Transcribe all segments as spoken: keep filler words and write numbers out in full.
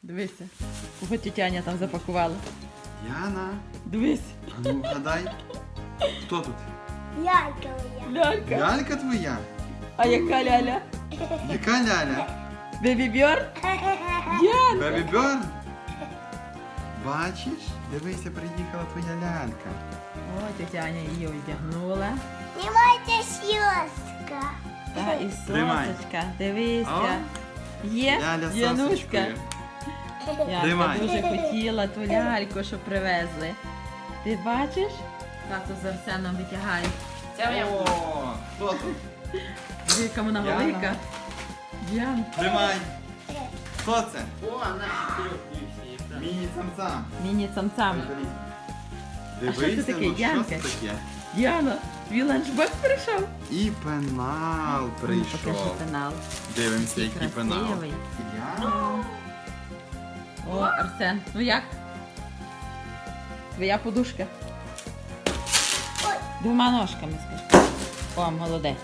Дивися. Кого тітяня там запакувала. Яна, Дивись. а ну гадай, хто тут? Лялька моя. Лялька. Лялька твоя? А яка ляля? Яка ляля? Бебі Бьорн? Діан. Бебі Бьорн? Бачиш? Дивися, приїхала твоя лялька. О, тітяня її одягнула. Знімайте сьоска. Та і Тримай. сосочка. Дивися. Є Ляля з Януська. сосочкою. Янка Тримай. дуже хотіла ту ляльку, що привезли. Ти бачиш? Тато з Арсеном витягає. Це моя. О, хто тут? Яка вона Яна. велика. Діан. Тримай. Хто це? О, наші трьохні всі. Міні-цам-цам. Міні-цам-цам. А що це Дивися, таке, ну що Янка? це таке? Діана, твій ланчбокс прийшов. І пенал Ну, покажи прийшов. пенал. Дивимося, який пенал. Красивий. Яна. О, Арсен, ну як? Твоя подушка. Двома ножками, скажи. О, молодець.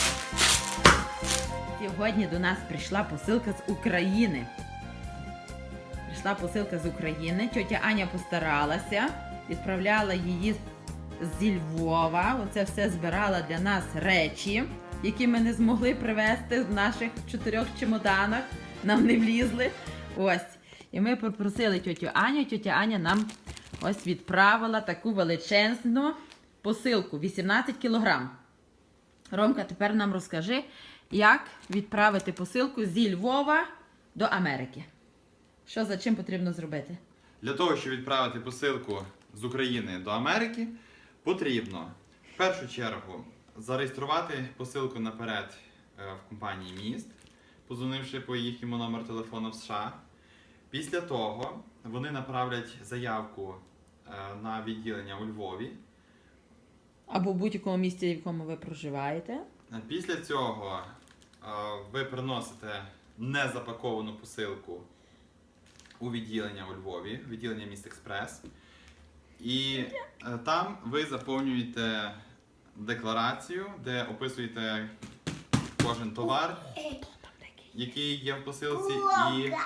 Сьогодні до нас прийшла посилка з України. Прийшла посилка з України. Тьотя Аня постаралася, відправляла її зі Львова. Оце все збирала для нас речі, які ми не змогли привезти в наших чотирьох чемоданах. Нам не влізли. Ось. І ми попросили тьотю Аню. Тьотя Аня нам ось відправила таку величезну посилку. вісімнадцять кілограм. Ромка, тепер нам розкажи, як відправити посилку зі Львова до Америки. Що за чим потрібно зробити? Для того, щоб відправити посилку з України до Америки, потрібно в першу чергу зареєструвати посилку наперед е, в компанії Міст, позвонивши по їхньому номеру телефону в США. Після того вони направлять заявку е, на відділення у Львові. Або в будь-якому місці, в якому ви проживаєте. Після цього е, ви приносите незапаковану посилку у відділення у Львові, відділення Міст Експрес. І е, там ви заповнюєте декларацію, де описуєте кожен товар, який є в посилці, і, е,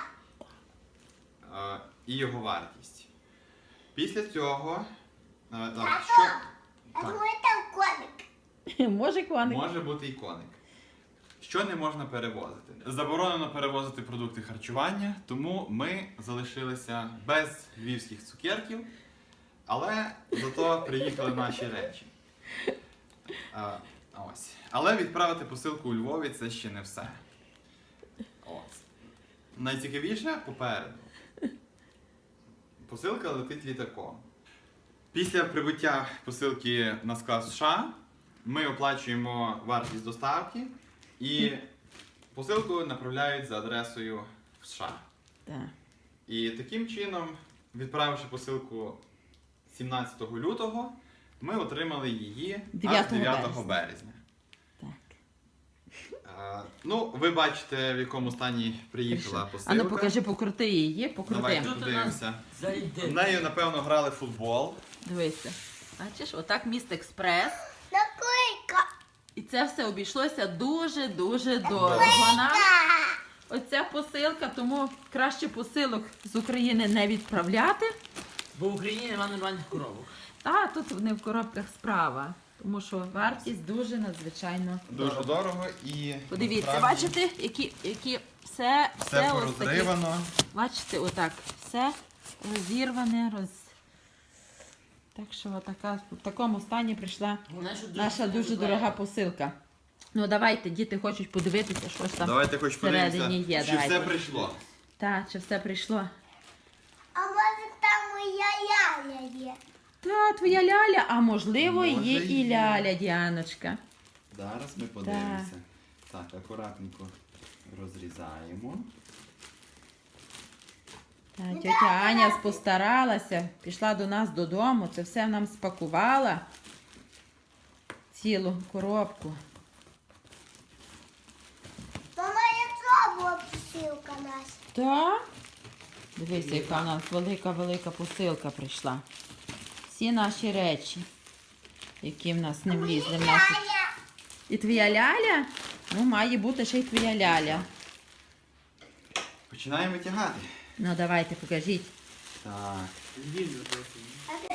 і його вартість. Після цього, е, так, що, А так, думаю, там коник. Може, коник? може бути і коник. Що не можна перевозити? Заборонено перевозити продукти харчування, тому ми залишилися без львівських цукерків, але зато приїхали наші речі. А, ось. Але відправити посилку у Львові це ще не все. Ось. Найцікавіше попереду. Посилка летить літаком. Після прибуття посилки на склад США ми оплачуємо вартість доставки і посилку направляють за адресою в США. Так. І таким чином, відправивши посилку сімнадцятого лютого, ми отримали її аж дев'ятого дев'ятого березня. Так. Е, ну, ви бачите, в якому стані приїхала посилка. А ну покажи, покрути її, покрути. Давайте Тут у подивимося. нас зайде. В нею, напевно, грали в футбол. Дивися. Бачиш, отак Міст Експрес. Наклейка. І це все обійшлося дуже-дуже дорого нам. Оця посилка, тому краще посилок з України не відправляти. Бо в Україні немає нормальних коробок. А тут не в коробках справа, тому що вартість дуже надзвичайно Дуже дорого і Подивіться, насправді бачите, які, які все, все все ось таке. порозривано. Бачите, отак, все розірване, роз... Так що отака, в такому стані прийшла Вона що наша дуже дорога посилка. Ну давайте, діти хочуть подивитися, що ж там. Давайте хоч всередині подивимося, є, чи давайте. все прийшло. Так, чи все прийшло? А може там моя ляля є? Та, твоя ляля, а можливо Може, є і є. ляля, Діаночка. Зараз ми подивимося. Так, акуратненько розрізаємо. Та, тетя Аня постаралася, пішла до нас додому, це все нам спакувала. Цілу коробку. Мама, яка була посилка наша? Так. Дивися, яка в нас велика-велика посилка прийшла. Всі наші речі, які в нас не влізли. В наші... Ляля. І твоя ляля? Ну, має бути ще й твоя ляля. Починаємо витягати. Ну давайте, покажіть. Так. Він записаний.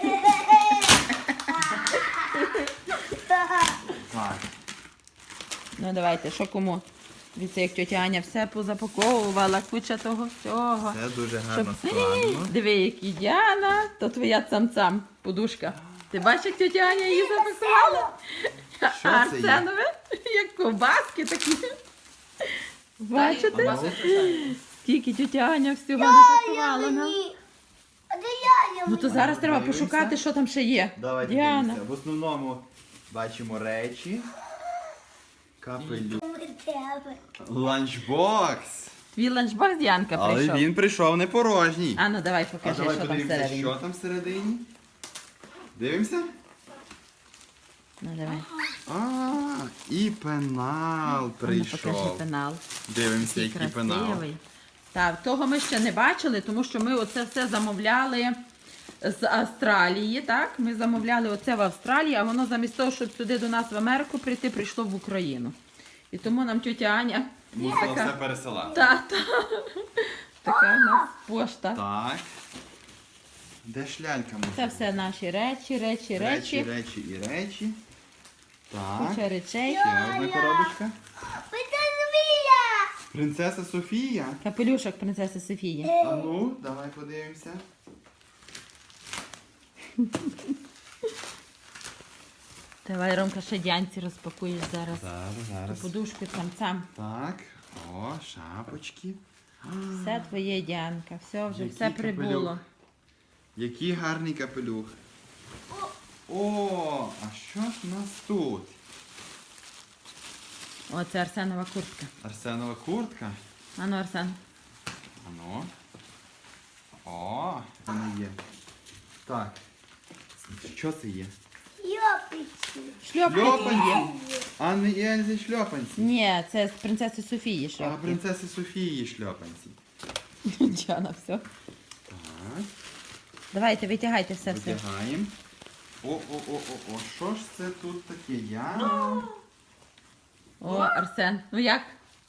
Так. Ну давайте, що кому? Дивіться, як тьотя Аня все позапаковувала, куча того всього. Це дуже гарно Щоб- складно. Диви, які Діана, то твоя цам-цам, подушка. Ти бачиш, як тьотя Аня її запакувала? Що А це є? Арсенове, як ковбаски такі. Бачите? Бачите? Бачите? Скільки тьотя Аня всього запакувала нам. Мені. А де яля Ну то мені? зараз треба Дивимося. пошукати, що там ще є. Давайте Діана. дивимося. В основному бачимо речі. Капелю. Ми тебе. Ланчбокс. Твій ланчбокс Діанка Але прийшов. він прийшов не порожній. А ну давай А покажи, давай що там подивимося, всередині. що там всередині. Дивимося? Ну давай. А, і пенал А ну покажи прийшов. пенал. Дивимося, Який який пенал. красивий. Так, того ми ще не бачили, тому що ми оце все замовляли з Австралії, так? Ми замовляли оце в Австралії, а воно замість того, щоб сюди до нас в Америку прийти, прийшло в Україну. І тому нам тьотя Аня Мусила така- все пересилати. та, та, така у нас пошта. Так. Де ж лялька може? Це все наші речі, речі, Речі, речі, речі і речі. Так. куча речей. Ще одна коробочка. Ми це змія. Принцеса Софія. Капелюшок принцеси Софії. А ну, давай подивимося. Давай, Ромка, ще Діанці розпакуєш зараз. Зараз, зараз. Подушку там сам. Так. О, шапочки. Все твоє, Діанка, все вже, Який все прибуло. капелюх. Який гарний капелюх. О, а що ж у нас тут? О, це Арсенова куртка. Арсенова куртка. Ану, Арсен. Ану. О, це не є. Так. Що це є? Йопичі. Шльопки Шльопанці. є. Анни і Ельзи шльопанці. Ні, це з принцеси Софії А шльопки. принцеси Софії шльопанці. Діана, все. Так. Давайте, витягайте все все. Витягаємо. О-о-о-о-о. Що ж це тут таке? Я. О, Арсен, ну як?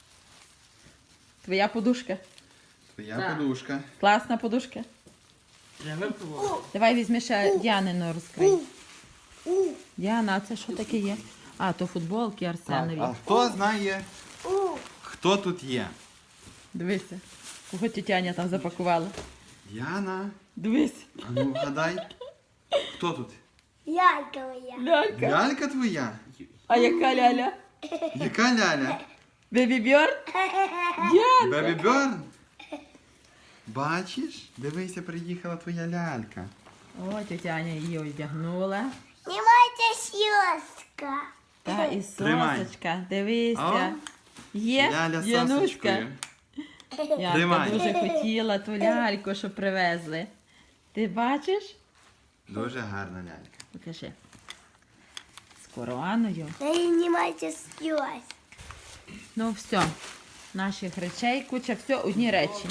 Твоя подушка. Твоя Так. подушка. Класна подушка. Треба випробувати. Давай візьми ще Діанину розкрий. Діана, а це що таке є? А, то футболки Так, Арсенові. а хто знає, У. хто тут є? Дивися, кого тітяня там запакувала. Яна. Дивись. А ну вгадай. Хто тут? Лялька моя. Лялька. Лялька твоя? А яка ляля? Яка ляля? Бебі Бьорн? Діанка. Бебі Бьорн? Бачиш? Дивися, приїхала твоя лялька. О, тітяня її одягнула. Знімайте сьоска. Та і Тримай. сосочка. Дивися. О, Є? Ляля з Януська. сосочкою. Янка Тримай. дуже хотіла ту ляльку, що привезли. Ти бачиш? Дуже гарна лялька. Покажи. З короною. Знімайте сьоска. Ну все. Наших речей, куча, все, одні речі.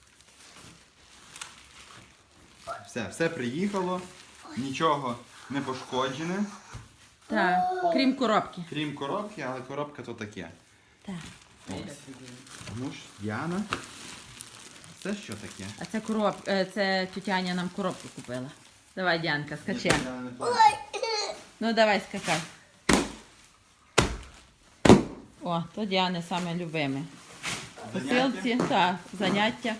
Все, все приїхало. Нічого не пошкоджене. Так, крім коробки. Крім коробки, але коробка то таке. Так. Ось. Ну ж, Яна. Це що таке? А це короб... е, це тютяня нам коробку купила. Давай, Діанка, скачи. Ну давай, скакай. О, то Діани саме любиме. Посилці, так, заняття.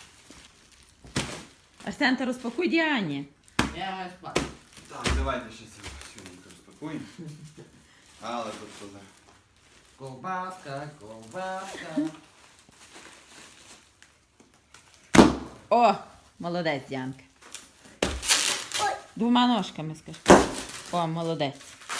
Арсен, ти розпакуй Діані. Я маю спати. Так, давайте ще сьогодні розпакуємо. Але тут поза. Ковбаска, ковбаска. О, молодець, Діанка. Двома ножками скажи. О, молодець.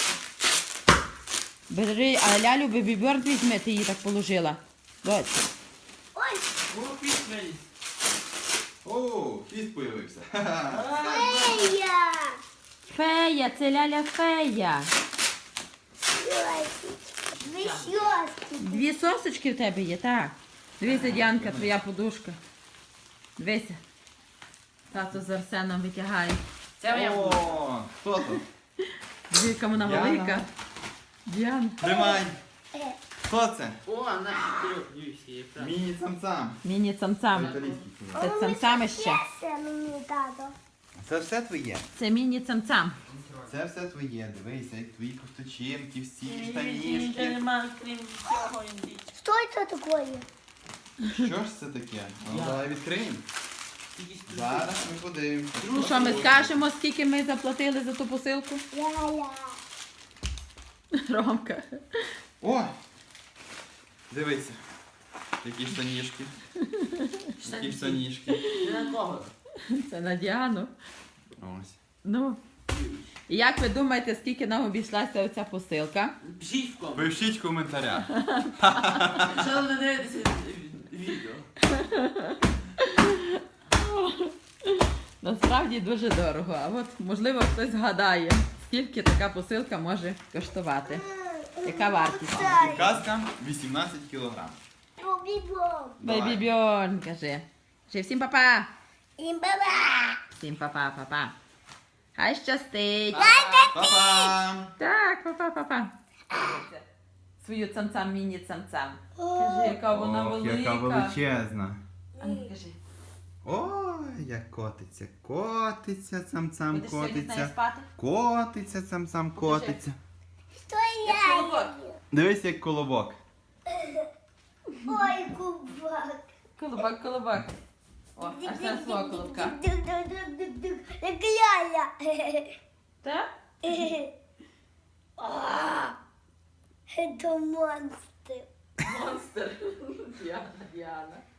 Бери, а лялю Бебі Бьорн візьми, ти її так положила. Доця. Ой, О, пісмеліс. О, хіст появився. Фея. Фея, це ляля фея. Ви сьоски. Дві сосочки в тебе є, так. Дивися, Діанка, твоя подушка. Дивися. Тато з Арсеном витягає. Це моя подушка. О, хто тут? Дивіться, вона Діана. велика. Діана. Тримай. Хто це? О, наші трьох дивіться, є правда. Міні-цам-цам. Міні-цам-цам. Італійський кіно. Це цам-цамище. Це мені тато. Це все твоє. Це міні-цам-цам. Це все твоє. Дивися, як твої ковточинки, всі Ні, штанішки. нема, крім цього індички. Що це таке? Що ж це таке? Ну, Я. давай відкриємо. Тільки з Зараз ми подивимося. Ну що, ми скажемо, скільки ми заплатили за ту посилку? Ля-ля. Ромка. О! Dивися. Які штанішки. Які штанішки. Не на кого. Це на Діану. Ось. Ну. І як ви думаєте, скільки нам обійшлася оця посилка? Пишіть в кому. Пишіть в коментарях. Що ви дивитеся відео? Насправді дуже дорого. А от, можливо, хтось згадає, скільки така посилка може коштувати. Яка вартість? Казка вісімнадцять кілограм. Бобі-боб. Бейбі Бьорн, каже. Кажи всім па-па. Ім-ба-ба. Всім па-па, па-па. Хай щастить. Па-па! Так, па-па, па-па. Свою цам-цам, міні-цам-цам. Кажи, яка вона Ох, велика. яка величезна. А ну, кажи. Ой, як котиться, котиться, цам-цам, Будеш сьогодні з нею котиться. спати? Котиться, цам-цам, Покажи. котиться. Що Як я? колобок. Дивись, як колобок. Ой, кубак. Колобок, колобок. О, аж на свого колобка. Дук-дук-дук-дук-дук. Як ляля. Так? Це монстр. Монстр. Діана, Діана.